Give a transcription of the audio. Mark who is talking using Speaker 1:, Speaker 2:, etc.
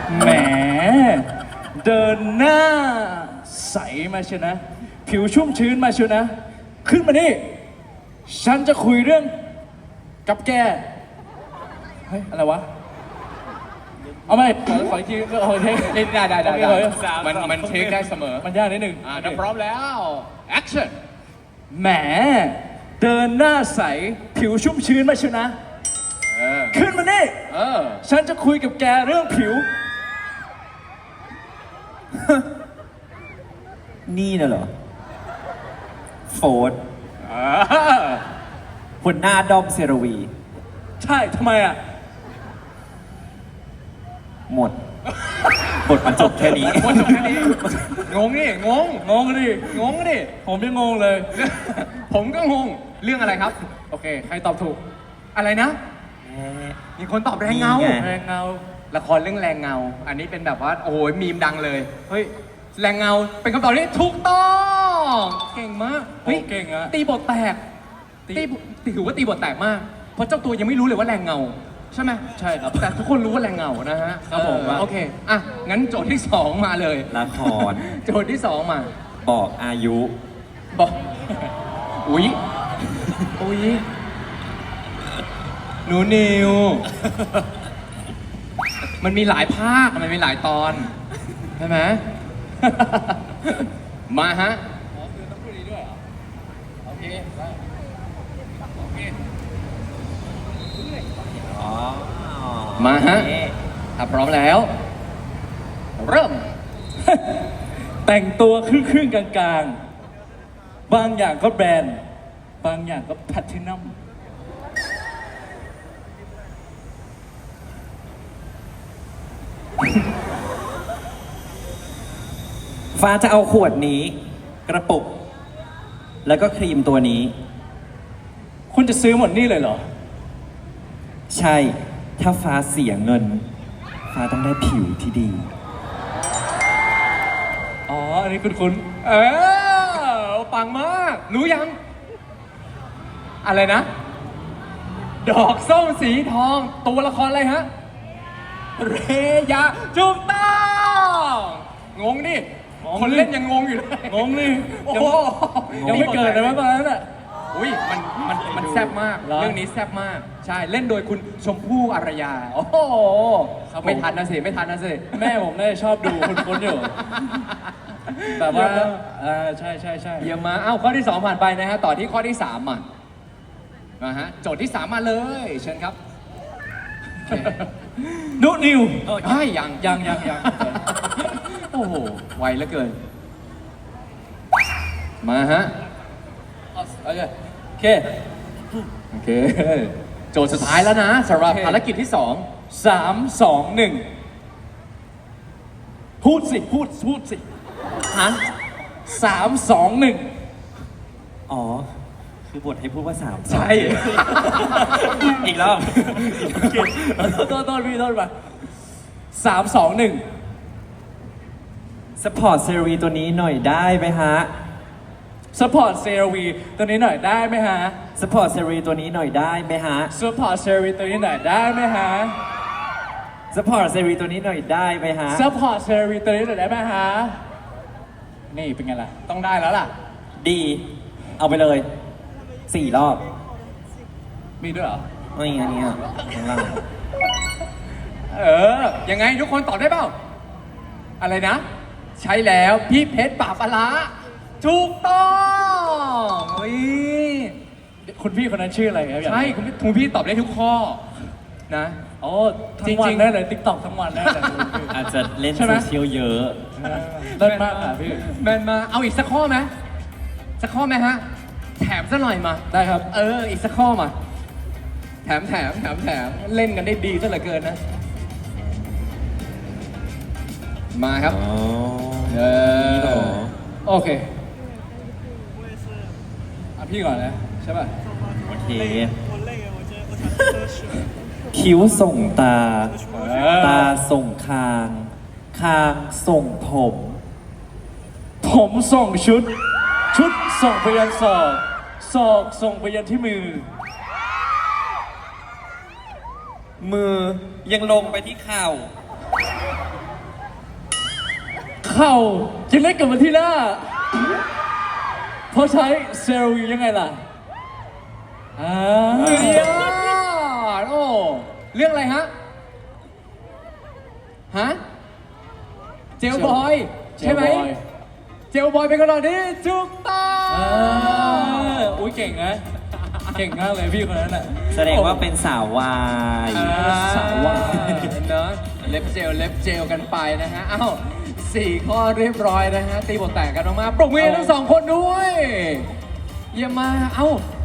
Speaker 1: แหมเดินหน้าใสมาเชียวนะ ผิวชุ่มชื้นมาเชียวนะ ขึ้นมานี่ ฉันจะคุยเรื่องกับแก เฮ้ย อะไรวะ เอาไหมขออีกทีขออีกที
Speaker 2: ได้
Speaker 1: โอเค
Speaker 2: มันเทคได้เสมอ
Speaker 1: มันยากนิดหนึ่ง
Speaker 2: ถ้าพร้อมแล้ว action
Speaker 1: แหมเดินหน้าใส ผิวชุ่มชื้นมาเชียวนะ ขึ้นมานี่ ฉันจะคุยกับแกเรื่องผิว
Speaker 3: นี่น่ะเหรอ โฟร์ดหัวหน้าดอมเซรวี
Speaker 1: ใช่ทำไมอ่ะ
Speaker 3: หมด บทมันจบแค่นี้
Speaker 2: วันจบแค่นี้ งงดิงง
Speaker 1: งงดิ
Speaker 2: งงดิ
Speaker 1: ผมยังงงเลย
Speaker 2: ผมก็งง เรื่องอะไรครับ
Speaker 1: โอเค ใครตอบถูก
Speaker 2: อะไรนะ มีคนตอบแรงเงา
Speaker 3: นี่ไง
Speaker 1: แรงเงา
Speaker 2: ละครเรื่องแรงเงา อันนี้เป็นแบบว่า โอ้ยมีมดังเลย เฮ้ย แรงเงา เป็นคำตอบที่ถูกต้อง เก่งมาก เฮ้ย
Speaker 1: โอ้เก่งอะ
Speaker 2: ตีบทแตก ถือว่าตีบทแตกมาก เพราะเจ้าตัวยังไม่รู้เลยว่าแรงเงา ใช่ไหม
Speaker 1: ใช่ครับ
Speaker 2: แต่ทุกคนรู้ว่าแรงเงานะฮะ
Speaker 1: ครับผม
Speaker 2: โอเค อ่ะ งั้นโจทย์ที่ 2 มาเลย
Speaker 3: ละคร
Speaker 2: โจทย์ที่ 2 มา
Speaker 3: บอกอายุ
Speaker 2: บอก อุ๊ย อุ๊ย หนูนิว มันมีหลายภาค มันมีหลายตอน ใช่ไหม มาฮะ
Speaker 3: อ๋อ
Speaker 2: มาฮะ
Speaker 3: โอเค
Speaker 2: ถ้าพร้อมแล้ว เริ่ม
Speaker 1: แต่งตัวครึ่งๆกลางๆ บางอย่างก็แบรนด์ บางอย่างก็แพลทินัม
Speaker 3: ฟ้าจะเอาขวดนี้ กระปุก แล้วก็ครีมตัวนี้
Speaker 1: คุณจะซื้อหมดนี่เลยเหรอ
Speaker 3: ใช่ ถ้าฟ้าเสียเงิน ฟ้าต้องได้ผิวที่ดี
Speaker 1: อ๋อ อันนี้คุณ
Speaker 2: เออ ปังมาก รู้ยัง อะไรนะ ดอกส้มสีทอง ตัวละครอะไรฮะ เรยาถูกต้องงงดิ
Speaker 1: งงดิ
Speaker 2: คนเล่นยังงงอยู่เลย
Speaker 1: งงนี่
Speaker 2: โอ้โห
Speaker 1: ยังไม่เกิดเลยมั้งตอนนั้นอ่ะ
Speaker 2: อุ้ยมันแซ่บมาก
Speaker 1: เหรอ
Speaker 2: เรื่องนี้แซ่บมาก ใช่ เล่นโดยคุณชมพู่อารยา โอ้โห
Speaker 1: ครับผม
Speaker 2: ไม่ทันนะสิ ไม่ทันนะสิ
Speaker 1: แม่ผมน่าจะชอบดูคุ้นๆอยู่ แบบว่าใช่
Speaker 2: เยี่ยมมากเอ้าข้อที่ 2 ผ่านไปนะฮะ ต่อที่ข้อที่ 3มาฮะ โจทย์ที่ 3 มาเลย เชิญครับ
Speaker 1: นุนิว
Speaker 2: เฮ้ยยัง
Speaker 1: ยัง
Speaker 2: โอ้โห ไวเหลือเกิน มาฮะ
Speaker 1: โอเค
Speaker 2: โอเค โจทย์สุดท้ายแล้วนะสำหรับ
Speaker 1: โอเค
Speaker 2: ภารกิจที่
Speaker 1: 3 2 1 พูดสิ
Speaker 2: 2ฮะ
Speaker 1: 3 2 1
Speaker 3: อ๋อ คือบทให้พูดว่าสาม
Speaker 2: ใช่
Speaker 3: อีกรอบ
Speaker 1: โทษพี่โทษมา3 2 1
Speaker 3: สปอร์ตเซรีตัวนี้หน่อยได้ไหมฮะ
Speaker 1: สปอร์ตเซรวีตัวนี้หน่อยได้ไหมฮะ
Speaker 3: สปอร์ตเซรีตัวนี้หน่อยได้ไหมฮะ
Speaker 1: สปอร์ตเซรวีตัวนี้หน่อยได้ไหมฮะ
Speaker 3: สปอร์ตเซรีตัวนี้หน่อยได้ไหมฮะ
Speaker 1: สปอร์ตเซรวีตัวนี้หน่อยได้ไหมฮะ นี่เป็นไงล่ะ
Speaker 2: ต้องได้แล้วล่ะ
Speaker 3: ดี เอาไปเลย 4 รอบ
Speaker 1: มีด้วยเหรอ
Speaker 3: ไม่อันนี้อ่ะข้างล่าง
Speaker 2: ยังไงทุกคนตอบได้เปล่า อะไรนะ ใช่แล้วพี่เพชรป่าปลาร้าถูกต้องเฮ้ย
Speaker 1: คุณพี่คนนั้นชื่ออะไรครับอยากรู้
Speaker 2: ใช่คุณพี่ตอบได้ทุกข้อนะ
Speaker 1: โอ้ทั้งวัน
Speaker 2: จริงๆ
Speaker 1: ได้เลย ติ๊กต็อกทั้งวันได้เลย
Speaker 3: อาจจะเล่น
Speaker 1: ใช่ไหม
Speaker 3: โซเชียลเยอะ
Speaker 1: เลิศมากค่ะพี่
Speaker 2: แมนมาเอาอีกสักข้อไหมสักข้อไหมฮะ แถมซะหน่อยมา
Speaker 1: ได้ครับ
Speaker 2: อีกสักข้อมา แถมเล่นกันได้ดีซะเหลือเกินนะ มาครับ
Speaker 3: อ๋อ
Speaker 2: เอ
Speaker 3: นี่เหรอ
Speaker 2: โอเค
Speaker 1: อ่ะพี่ก่อนนะใช่ป่ะ
Speaker 3: โอเค คิ้วส่งตา ตาส่งคาง คางส่งผม
Speaker 1: ผมส่งชุด ชุดส่งไปยันศอก ศอกส่งไปยันที่มือ
Speaker 3: มือยังลงไปที่เข่า
Speaker 1: เข่าจะเล็กกว่าที่หน้าเพราะใช้เซรั่มยังไงล่ะ
Speaker 2: เฮ้ยโอ้เรื่องอะไรฮะ ฮะ เจลบอย ใช่ไหม เจลบอยเป็นคำตอบที่ถูกต้อง
Speaker 1: อุ้ยเก่งนะ เก่งมากเลยพี่คนนั้นอ่ะ
Speaker 3: แสดงว่าเป็นสาววาย
Speaker 2: สาวว่าเนอะเล็บเจลกันไปนะฮะ เอ้า4 ข้อเรียบร้อยนะฮะ ตีบทแตกกันออกมาปรบมือให้ทั้ง 2 คนด้วย เยี่ยมมาก เอ้า